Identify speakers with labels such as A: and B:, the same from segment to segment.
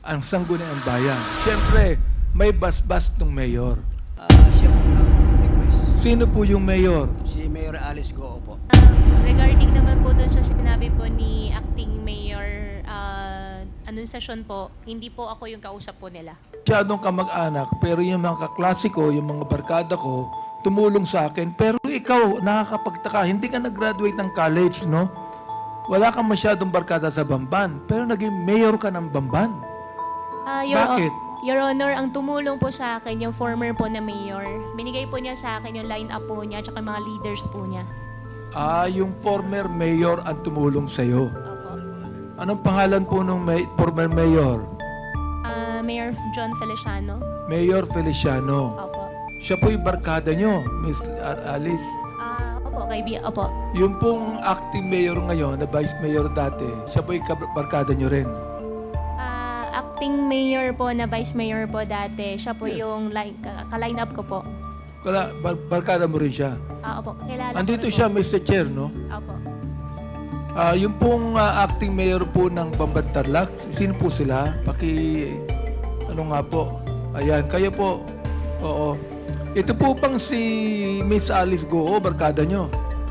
A: ang sangguniang bayan. Siyempre, may basbas ng mayor.
B: Siya po nag-request.
A: Sino po yung mayor?
B: Si Mayor Alice Goo po.
C: Regarding naman po doon sa sinabi po ni Acting Mayor Anunciacion po, hindi po ako yung kausap po nila.
A: Masyadong kamag-anak, pero yung mga kaklase ko, yung mga barkada ko, tumulong sa akin. Pero ikaw, nakakapagtaka, hindi ka nag-graduate ng college, no? Wala kang masyadong barkada sa Bamban, pero naging mayor ka ng Bamban. Bakit?
C: Your Honor, ang tumulong po sa akin, yung former po na mayor, binigay po niya sa akin yung line-up po niya at mga leaders po niya.
A: Yung former mayor ang tumulong sa'yo.
C: Opo.
A: Anong pangalan po ng former mayor?
C: Mayor John Feliciano.
A: Mayor Feliciano.
C: Opo.
A: Siya po yung barkada nyo, Miss Alice.
C: Opo, Opo.
A: Yung pong acting mayor ngayon, na vice mayor dati, siya po yung barkada nyo rin.
C: Acting mayor po na vice mayor po dati, siya po yung ka-line up ko po.
A: Barkada mo rin siya.
C: Opo, kilala ko
A: Andito
C: rin
A: siya,
C: po.
A: Mr. Chair, no?
C: Opo.
A: Yung pong acting mayor po ng Bamban-Tarlac, sino po sila? Ano nga po? Ayan, kayo po. Oo. Ito po pang si Miss Alice Goo, barkada nyo.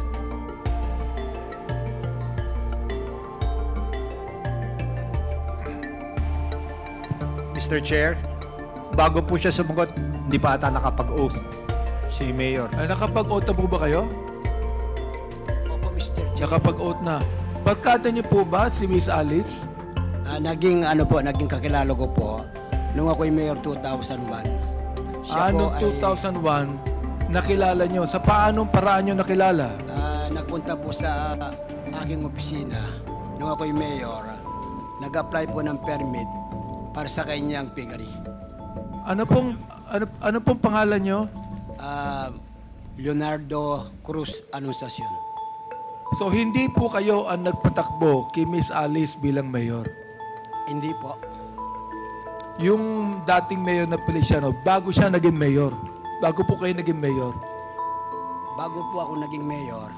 D: Mr. Chair, bago po siya sumagot, hindi pa ata nakapag-oath si Mayor.
A: Ay, nakapag-oath na po ba kayo?
B: Opo, Mr. Chair.
A: Nakapag-oath na. Barkada nyo po ba si Miss Alice?
B: Naging kakilala ko po nung ako'y Mayor 2001.
A: Noong 2001, nakilala nyo. Sa paanong paraan nyo nakilala?
B: Nagpunta po sa aking opisina nung ako'y Mayor. Nag-apply po ng permit para sa kanyang piggery.
A: Ano pong pangalan nyo?
B: Leonardo Cruz Anunciacion.
A: So, hindi po kayo ang nagpatakbo kay Miss Alice bilang mayor.
B: Hindi po.
A: Yung dating mayor na Feliciano, bago siya naging mayor. Bago po kayo naging mayor.
B: Bago po ako naging mayor,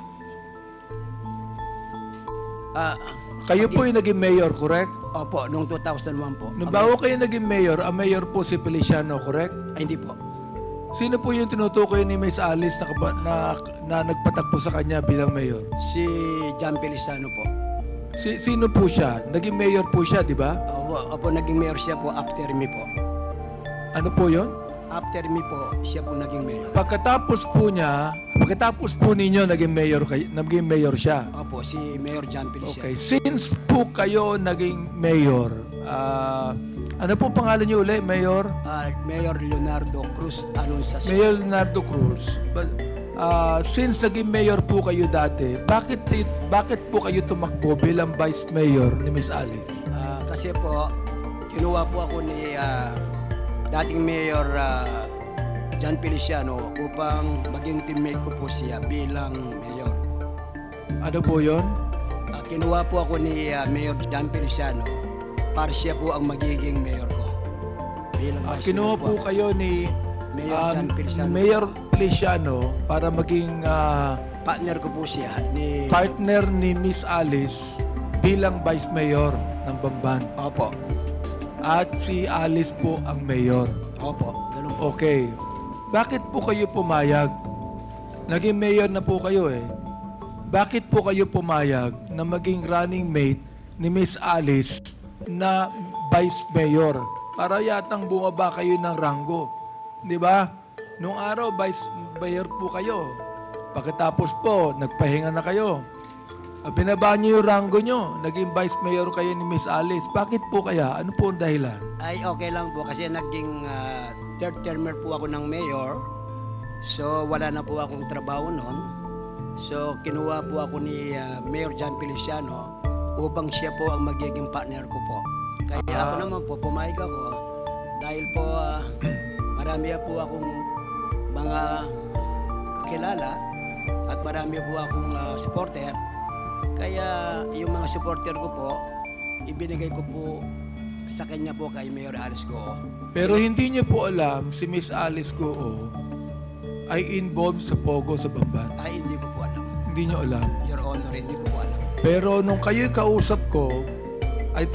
A: Kayo po yung naging mayor, correct?
B: opo, noong 2001 po.
A: Nung bago kayo naging mayor, ang mayor po si Feliciano, correct?
B: Hindi po.
A: Sino po yung tinutukoy ni Miss Alice na nagpatakbo sa kanya bilang mayor?
B: Si John Feliciano po.
A: Sino po siya? Naging mayor po siya, di ba?
B: Opo, naging mayor siya po after me po.
A: Ano po yon?
B: After me po, siya po naging mayor.
A: Pagkatapos po ninyo naging mayor siya.
B: Opo, si Mayor John Feliciano.
A: Okay, since po kayo naging mayor, ano pong pangalan niyo uli, mayor?
B: Mayor Leonardo Cruz Anunciacion.
A: Mayor Leonardo Cruz. Since naging mayor po kayo dati, bakit po kayo tumakbo bilang vice mayor ni Miss Alice?
B: Kasi po, kinuha po ako ni dating Mayor John Feliciano upang maging teammate ko po siya bilang mayor.
A: Ano po yon?
B: Kinuha po ako ni Mayor John Feliciano para siya po ang magiging mayor ko. Bilang vice
A: Kinuha
B: mayor
A: po kayo ni
B: Mayor John Feliciano.
A: Mayor Feliciano para maging
B: Partner ko po siya ni...
A: partner ni Miss Alice bilang vice mayor ng Bamban.
B: Opo.
A: At si Alice po ang mayor.
B: Opo. Ganun po.
A: Okay. Bakit po kayo pumayag? Naging mayor na po kayo eh. Bakit po kayo pumayag na maging running mate ni Miss Alice na vice mayor? Para yatang bumaba kayo ng ranggo. Di ba? Nung araw, vice mayor po kayo. Pagkatapos po, nagpahinga na kayo. Binaba niyo yung ranggo nyo. Naging vice mayor kayo ni Miss Alice. Bakit po kaya? Ano po ang dahilan?
B: Ay, okay lang po kasi naging third termer po ako ng mayor. So, wala na po akong trabaho noon. So, kinuha po ako ni Mayor John Feliciano upang siya po ang magiging partner ko po. Kaya ako naman po, pumayag ako. Dahil po, marami po akong mga kakilala at marami po akong supporter. Kaya yung mga supporter ko po, ibinigay ko po sa kanya po kay Mayor Alice Goo.
A: Pero hindi niyo po alam si Miss Alice Goo ay involved sa Pogo sa Bamban.
B: Ay, hindi ko po alam.
A: Hindi niyo alam.
B: Your Honor, hindi ko po alam.
A: Pero nung kayo'y kausap ko, I think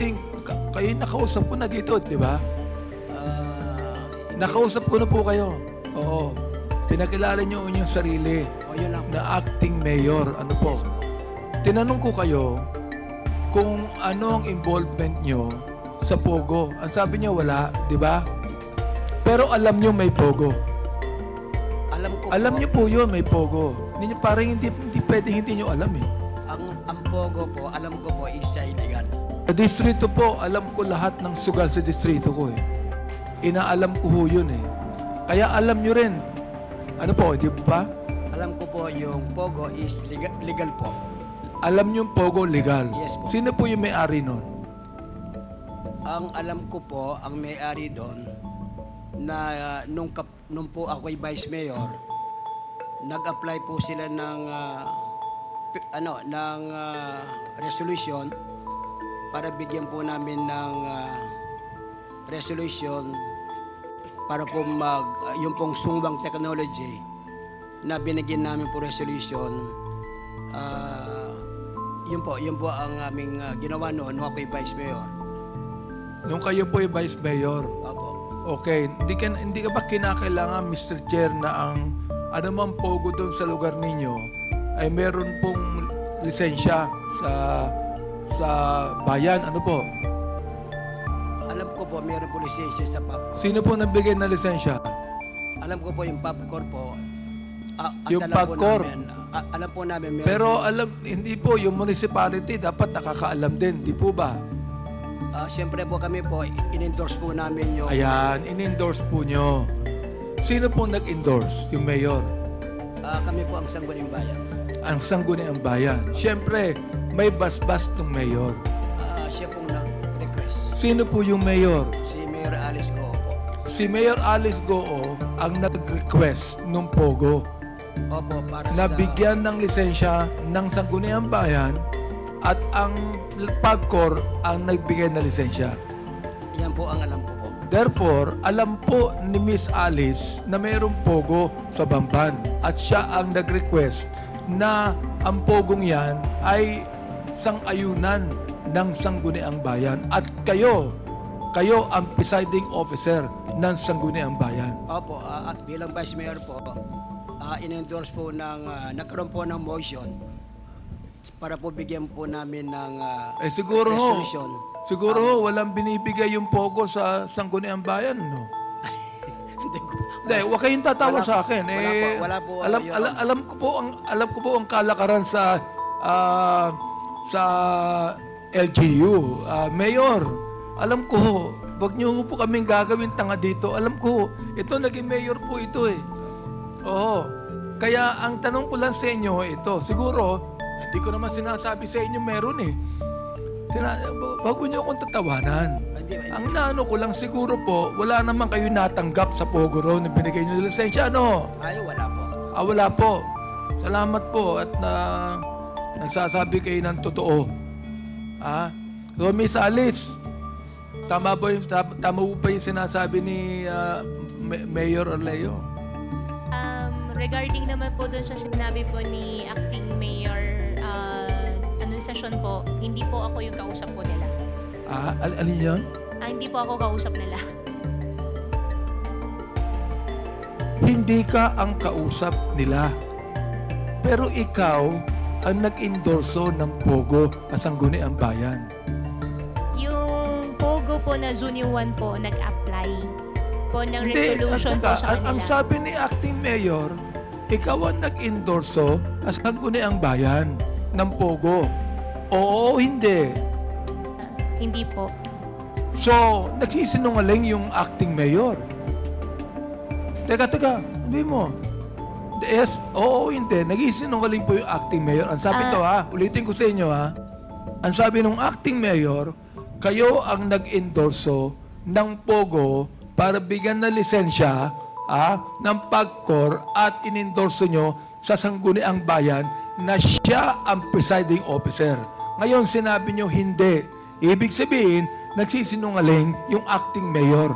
A: kayo nakausap ko na dito, di ba?
B: Ah,
A: Nakausap ko na po kayo. Oo. Pinakilala niyo yung sarili
B: yun lang.
A: na acting mayor. Ano po?
B: Yes po.
A: Tinanong ko kayo kung ano ang involvement nyo sa Pogo. Ang sabi niyo wala, di ba? Pero alam niyo may Pogo. Alam niyo po yun, may Pogo. Hindi, parang hindi pwedeng hindi niyo alam eh.
B: Ang Pogo po, alam ko po is illegal.
A: Sa distrito po, alam ko lahat ng sugal sa distrito ko eh. Inaalam ko ho yun eh. Kaya alam nyo rin. Ano po, di ba?
B: Alam ko po yung Pogo is legal po.
A: Alam nyo yung Pogo legal.
B: Yes po.
A: Sino po yung may-ari nun?
B: Ang alam ko po, ang may-ari doon, na nung po ako'y vice mayor, nag-apply po sila ng resolution para bigyan po namin ng resolution para po yung pong sungbang technology na binigyan namin po resolution. Yun po ang aming ginawa noon nung ako'y vice mayor.
A: Nung kayo po yung vice mayor.
B: Opo.
A: Okay, hindi ka ba kinakailangan, Mr. Chair, na ang anumang Pogo doon sa lugar ninyo ay meron pong lisensya sa bayan? Ano po?
B: Alam ko po, mayroon po lisensya sa PAP.
A: Sino po nagbigay ng lisensya?
B: Alam ko po yung PAPCOR po.
A: Yung
B: alam po
A: PAPCOR?
B: namin, alam po namin meron.
A: Pero hindi po, yung municipality dapat nakakaalam din, di po ba?
B: Siyempre po kami po, in-endorse po namin yung...
A: Ayan, in-endorse po nyo. Sino po nag-endorse? Yung mayor?
B: kami po ang Sangguniang Bayan.
A: Ang Sangguniang Bayan. Siyempre, may basbas ng mayor.
B: Siya pong nag-request.
A: Sino po yung mayor?
B: Si Mayor Alice Goo po.
A: Si Mayor Alice Goo ang nag-request ng Pogo
B: Opo, para
A: na
B: sa...
A: bigyan ng lisensya ng Sangguniang Bayan at ang PAGCOR ang nagbigay ng lisensya.
B: Yan po ang alam ko po.
A: Therefore, alam po ni Miss Alice na mayroong Pogo sa Bamban at siya ang nag-request na ang Pogong yan ay sang-ayunan ng Sangguniang Bayan at kayo ang presiding officer ng Sangguniang Bayan.
B: Opo, at bilang Vice Mayor po, in-endorse po nagkaroon po ng motion para po bigyan po namin ng
A: Siguro ho,
B: resolution.
A: walang binibigay yung Pogo sa Sangguniang Bayan, no?
B: Hindi ko po.
A: Hindi, huwag kayong tatawa
B: Wala
A: sa
B: po.
A: akin.
B: Wala po,
A: alam ko po ang kalakaran sa LGU. Mayor, alam ko, wag niyo po kaming gagawin tanga dito. Alam ko, ito naging mayor po ito eh. Oo. Kaya ang tanong ko lang sa inyo ito, siguro hindi ko naman sinasabi sa inyo meron eh. Wag niyo akong tatawanan.
B: Hindi.
A: Ang naano ko lang siguro po, wala naman kayo natanggap sa Pogo Row na binigay nyo ng lisensya, no?
B: Ay, wala po.
A: Wala po. Salamat po at nagsasabi kayo ng totoo. So, Miss Alice, tama po ba yung sinasabi ni Mayor Orleo?
C: Regarding naman po dun sa sinabi po ni Acting Mayor Anunciacion po, hindi po ako yung kausap po nila.
A: Alin yun?
C: Hindi po ako kausap nila.
A: Hindi ka ang kausap nila. Pero ikaw ang nag-endorso ng Pogo at Sangguniang Bayan.
C: Yung Pogo po na Junior 1 po, nag-apply po ng resolution po sa
A: Ang
C: kanila.
A: sabi ni Acting Mayor, ikaw ang nag-endorso at Sangguniang Bayan ng Pogo. Oo, hindi.
C: Hindi po.
A: So, nagsisinungaling yung Acting Mayor. Teka, sabi mo. Yes, oo, hindi. Nagsisinungaling po yung Acting Mayor. Ang sabi ulitin ko sa inyo Ang sabi ng Acting Mayor, kayo ang nag-endorso ng Pogo para bigyan ng lisensya ng PAGCOR at inendorso nyo sa Sangguniang Bayan na siya ang presiding officer. Ngayon, sinabi nyo hindi. Ibig sabihin, nagsisinungaling yung acting mayor.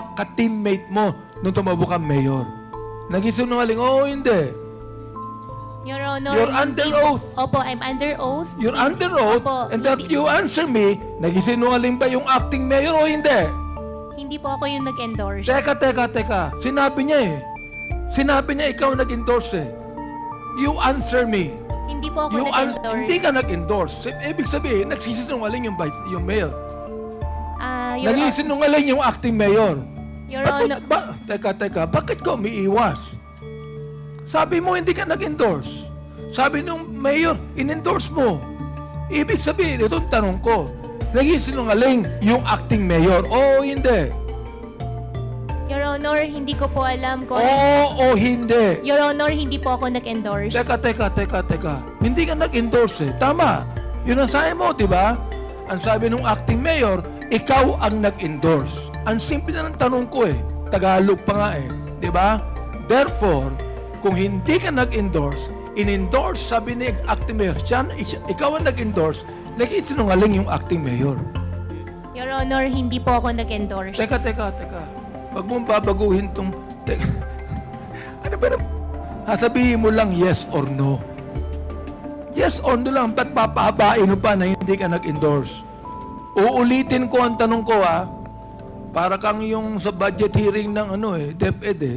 A: Naka-teammate mo nung tumabo kang mayor. Nagsisinungaling, oo, hindi.
C: Your Honor,
A: You're under
C: hindi-
A: oath.
C: Opo, I'm under oath.
A: You're under oath,
C: Opo,
A: and if
C: hindi-
A: you answer me, nagisinungaling ba yung acting mayor o hindi?
C: Hindi po ako yung nag-endorse.
A: Teka. Sinabi niya eh. Sinabi niya ikaw nag-endorse eh. You answer me.
C: Hindi po ako nag-endorse.
A: Hindi ka nag-endorse. Ibig sabihin, nagsisinungaling yung mayor.
C: Your,
A: Nagsisinungaling yung acting mayor.
C: Your
A: Bakit,
C: Honor,
A: teka, bakit ka umiiwas? Sabi mo hindi ka nag-endorse. Sabi nung mayor, in-endorse mo. Ibig sabihin, itong tanong ko, nagsisinungaling yung acting mayor o hindi?
C: Your Honor, hindi ko po alam kung...
A: Oo o hindi?
C: Your Honor, hindi po ako nag-endorse.
A: Teka. Hindi ka nag-endorse eh. Tama. Yun ang sabi mo, di ba? Ang sabi nung acting mayor, ikaw ang nag-endorse. Ang simple na ng tanong ko eh. Tagalog pa nga eh. Di ba? Therefore, kung hindi ka nag-endorse, in-endorse, sabi ni acting mayor, ikaw ang nag-endorse, nag-isinungaling yung acting mayor.
C: Your Honor, hindi po ako nag-endorse.
A: Teka. Wag mong babaguhin tong... Teka. Ano ba na... Sasabihin mo lang yes or no. Yes or no lang. Ba't papahabain mo pa na hindi ka nag-endorse? Uulitin ko ang tanong ko para kang yung sa budget hearing ng DepEd eh.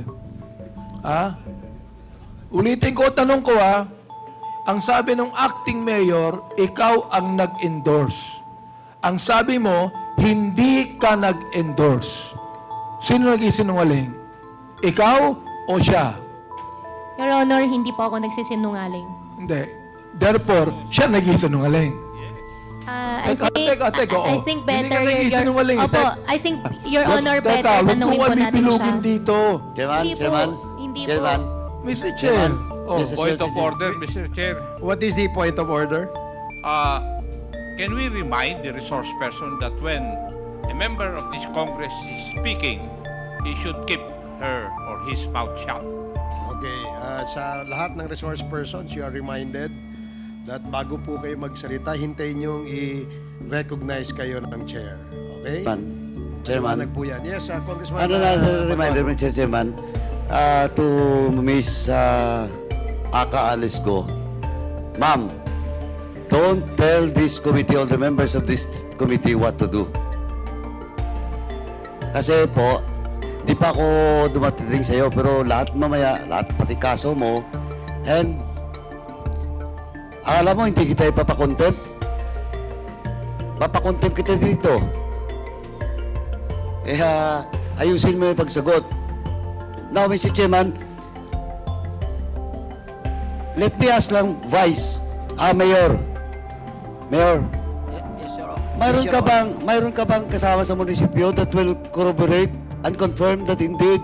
A: Ulitin ko ang tanong ko Ang sabi ng acting mayor, ikaw ang nag-endorse. Ang sabi mo, hindi ka nag-endorse. Sino nag-isinungaling? Ikaw o siya?
C: Your Honor, hindi po ako nagsisinungaling.
A: Hindi. Therefore, siya nag-isinungaling.
C: I
A: Teka, oo.
C: think
A: Hindi ka
C: better
A: nagsisinungaling.
C: Opo, I think Your Honor, better
A: Huwag
C: tanungin
A: mo
C: po
A: kami
C: natin
A: bilugin
C: siya.
A: dito.
C: Hindi po. Hindi po.
E: Chairman.
A: Mr. Chair. Oh.
E: Yes,
F: Point of order, Mr. Chair.
E: What is the point of order?
F: Can we remind the resource person that when a member of this Congress is speaking, he should keep her or his mouth shut?
E: Okay, sa lahat ng resource persons, you are reminded that bago po kayo magsalita, hintayin niyong i-recognize kayo ng chair. Okay?
G: Chairman,
E: Maliwanag po yan. Yes, Congressman.
G: ano na reminder, Mr. Chairman, to Miss Aka Alisgo, Ma'am, don't tell this committee or the members of this committee what to do. Kasi po, di pa ako dumating sa'yo, pero lahat mamaya, lahat pati kaso mo, and akala mo hindi kita ipapakontempt? Papakontempt kita dito. Ayusin mo yung pagsagot. Now, Mr. Chairman, let me ask lang, Vice, Mayor,
B: Yes, sir.
G: mayroon ka bang kasama sa munisipyo that will corroborate and confirm that indeed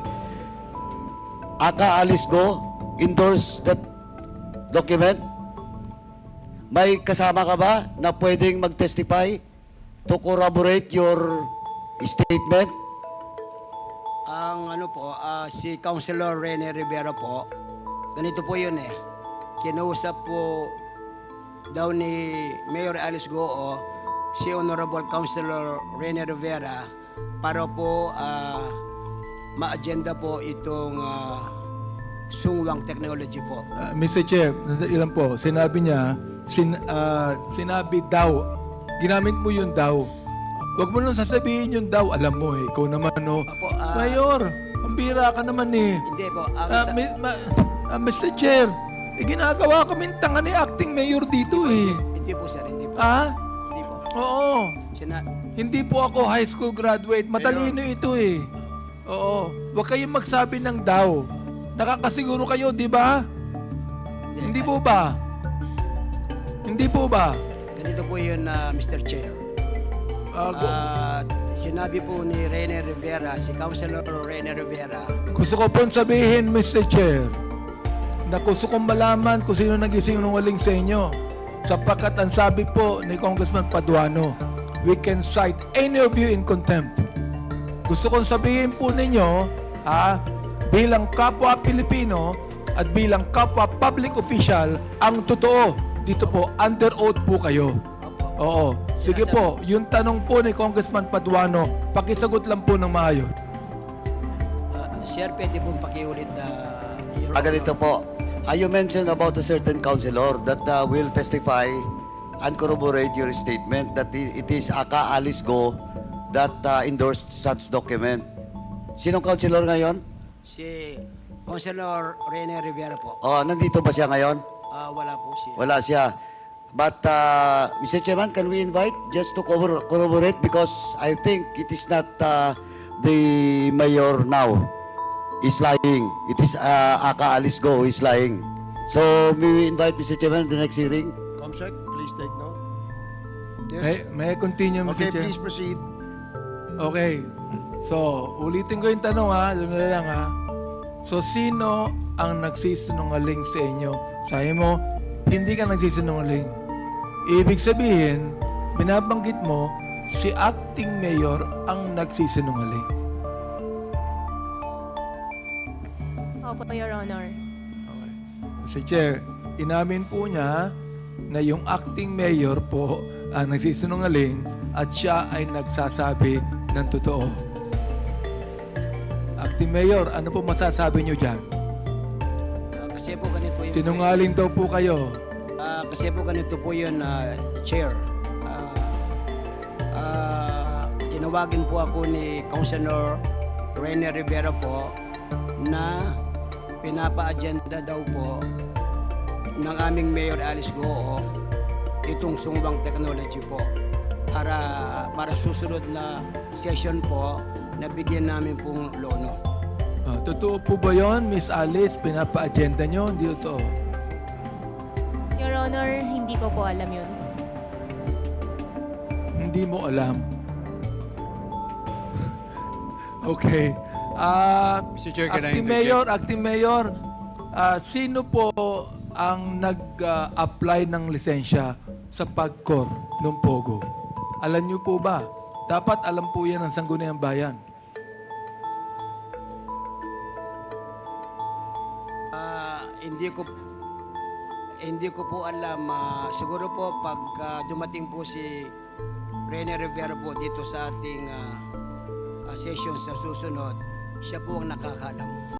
G: Aka Alisgo endorsed that document? May kasama ka ba na pwedeng mag-testify to corroborate your statement?
B: Ang si Councilor Rene Rivera po, ganito po yun eh. Kinausap po daw ni Mayor Alice Goo si Honorable Councilor Rene Rivera para po ma-agenda po itong sungwang technology po.
A: Mr. Chair, ilan po, sinabi niya, sinabi daw, ginamit mo yung daw. Huwag mo nang sasabihin yung daw, alam mo eh, ikaw naman
B: Apo,
A: Mayor, ang bira ka naman eh.
B: Hindi po.
A: Mr. Chair, ginagawa kaming tanga ni acting mayor dito eh.
B: Hindi po sir, hindi po. Hindi po.
A: Oo. Hindi po ako high school graduate. Matalino ito eh. Oo. Huwag kayong magsabi ng daw. Nakakasiguro kayo, di ba? Hindi po ba? Hindi po ba?
B: Ganito po yun, Mr. Chair. Sinabi po ni Rene Rivera, si Councilor Rene Rivera,
A: Gusto ko pong sabihin, Mr. Chair, na gusto kong malaman kung sino nag-isinungaling sa inyo. Sapagkat ang sabi po ni Congressman Paduano, we can cite any of you in contempt. Gusto kong sabihin po ninyo, bilang kapwa Pilipino at bilang kapwa public official, ang totoo, dito po, under oath po kayo. Oo. Sige po, yung tanong po ni Congressman Paduano, pakisagot lang po ng maayos.
B: Sir, pwede pong pakiulit
G: Ganito po, You mentioned about a certain councilor that will testify and corroborate your statement that it is Aka Alice Go that endorsed such document. Sinong councilor ngayon?
B: Si Councilor Rene Rivera po.
G: Nandito ba siya ngayon?
B: Wala po siya.
G: Wala siya. But, Mr. Chairman, can we invite just to corroborate because I think it is not the mayor now is lying. It is Aka Alice Go who is lying. So, may we invite Mr. Chairman the next hearing?
E: Comsec, please take note.
A: May I continue, Mr.
E: Okay,
A: Chair?
E: please proceed.
A: Okay. So, ulitin ko yung tanong ha. Alam na lang ha. So, sino ang nagsisinungaling sa inyo? Sabi mo, hindi ka nagsisinungaling. Ibig sabihin, binabanggit mo, si acting mayor ang nagsisinungaling.
C: Opo, Your Honor.
A: Okay. Mr. Chair, inamin po niya na yung acting mayor po ang nagsisinungaling at siya ay nagsasabi ng totoo. Acting mayor, ano po masasabi niyo dyan?
B: Kasi po ganito yung...
A: Sinungaling daw po kayo.
B: Kasi po ganito po yun, Chair. Tinawagin po ako ni Councilor Rene Rivera po na pinapa-agenda daw po ng aming Mayor Alice Goo itong Sungbang Technology po para susunod na session po na bigyan namin pong lono.
A: Totoo po ba yun, Miss Alice? Pinapa-agenda nyo? Hindi totoo.
C: Your Honor, hindi ko po alam yun.
A: Hindi mo alam. Okay.
D: Mr. Chair, can I
A: Acting Mayor, sino po ang nag-apply ng lisensya sa PAGCOR ng Pogo? Alam niyo po ba? Dapat alam po yan ng Sangguniang Bayan.
B: Hindi ko po alam. Siguro po pag dumating po si Rene Rivera po dito sa ating session sa susunod, siya po ang nakakalam.